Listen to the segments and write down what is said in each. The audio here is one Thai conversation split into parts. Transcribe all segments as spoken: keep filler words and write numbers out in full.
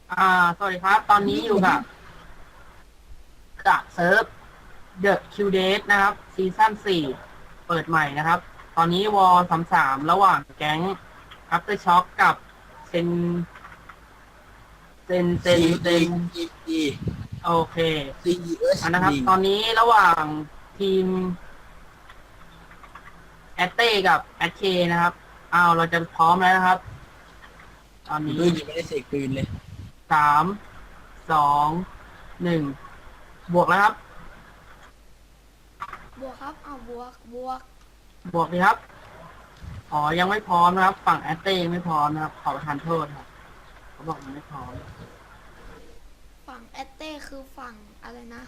อ่าสวัสดีครับ ตอนนี้อยู่กับกับเซิร์ฟ The Q Date นะครับซีซั่นสี่เปิดใหม่นะครับ ตอนนี้วอลสามสามระหว่างแก๊ง After Shock กับเซนเซนเซนเซซี ดีนซี ดีโอเคซี เอสอันนะครับดีตอนนี้ระหว่างทีมแอตเต้กับแอตเคนะครับอ้าวเราจะพร้อมแล้วนะครับ ตอนนี้ด้วยยังไม่ได้เสกปืนเลยสามสองหนึ่งบวกแล้วครับบวกครับเอาบวก บวกบวกดีครับ อ๋อ ยังไม่พร้อมนะครับ ฝั่งแอตเต้ยังไม่พร้อมนะครับ ขอประทานโทษครับเขาบอกยังไม่พร้อมฝั่งแอตเต้คือฝั่งอะไรนะ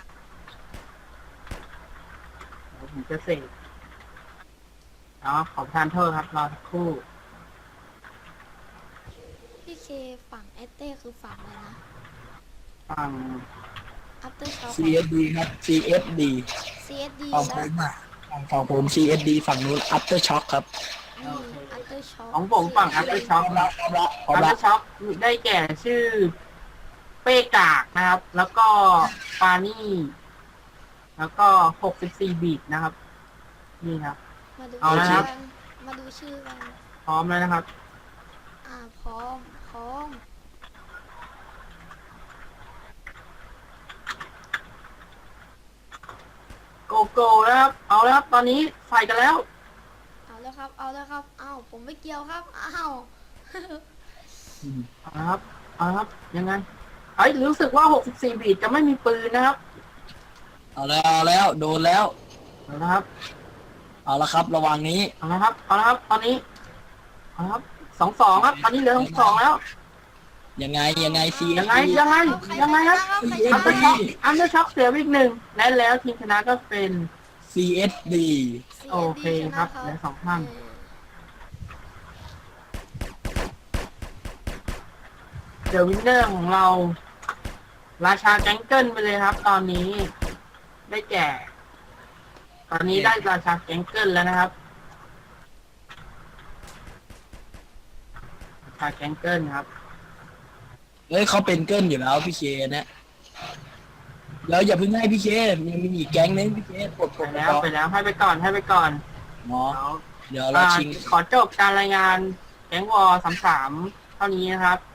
เดี๋ยวผมจะเสกเนาะขอประทานโทษครับ รอสักครู่พี่เคฝั่งแอตเต้คือฝั่งอะไรนะฝั่ง After Shock ซี เอส ดี ครับ ซี เอส ดีซี เอส ดีฝั่งผแล้วมอ่ะฝั่งผม ซี เอส ดี ฝั่งนู้น After Shock ครับนี่ After Shock ของผมฝั่งซี เอส ดี After พร้อ Shock มละพร้อมละพร้อมอัลละเตอร์ช็อคได้แก่ชื่อเป้กากนะครับ แล้วก็ปานี่ แล้วก็หกสิบสี่บีทนะครับ นี่ครับมาดูเอาละครัชื่อบ กันมาดูชื่อกันพร้อมแล้วนะครับอ่า พร้อม พร้อมโกโก้นะครับ เอาแล้วครับ ตอนนี้ใส่กันแล้วเอาแล้วครับ เอาแล้วครับ อ้าว ผมไม่เกี่ยวครับ อ้าวเอาละครับ เอาละครับ ยังไงเอ้ยรู้สึกว่า หกสิบสี่ บีทจะไม่มีปืนนะครับเอาแล้วเอาแล้วโดนแล้วเอาละครับเอาละครับ ระวังนี้เอาละครับ เอาละครับ ตอนนี้ เอาละครับ สองสองครับ ตอนนี้เหลือสองสองแล้วยังไงยังไง ซียังไง ยังไงเอาใครยังไงครับใครอันชเดอร์นะช็อคอันเดอร์ช็อคเสียไปอีกหนึ่ง และแล้วทีมชนะก็เป็นซี เอส ดีโอเคครับเหลือสองท่าน เดอะวินเนอร์ของเรา ราชาแก๊งเกิลไปเลยครับ ตอนนี้ ได้แก่ ตอนนี้ได้ราชาแก๊งเกิลแล้วนะครับ ราชาแก๊งเกิลครับเฮ้ยเขาเป็นเกิลอยู่แล้วพี่เคนะแล้วอย่าเพิ่งให้พี่เคยังมีอีกแก๊งนึงพี่เคกดกไปดแล้วไปแล้วให้ไปก่อนให้ไปก่อนหมอเดี๋ยวเดี๋ยวเราอ่าชิงขอจบการรายงานแก๊งวอสามสามเท่านี้นะครับ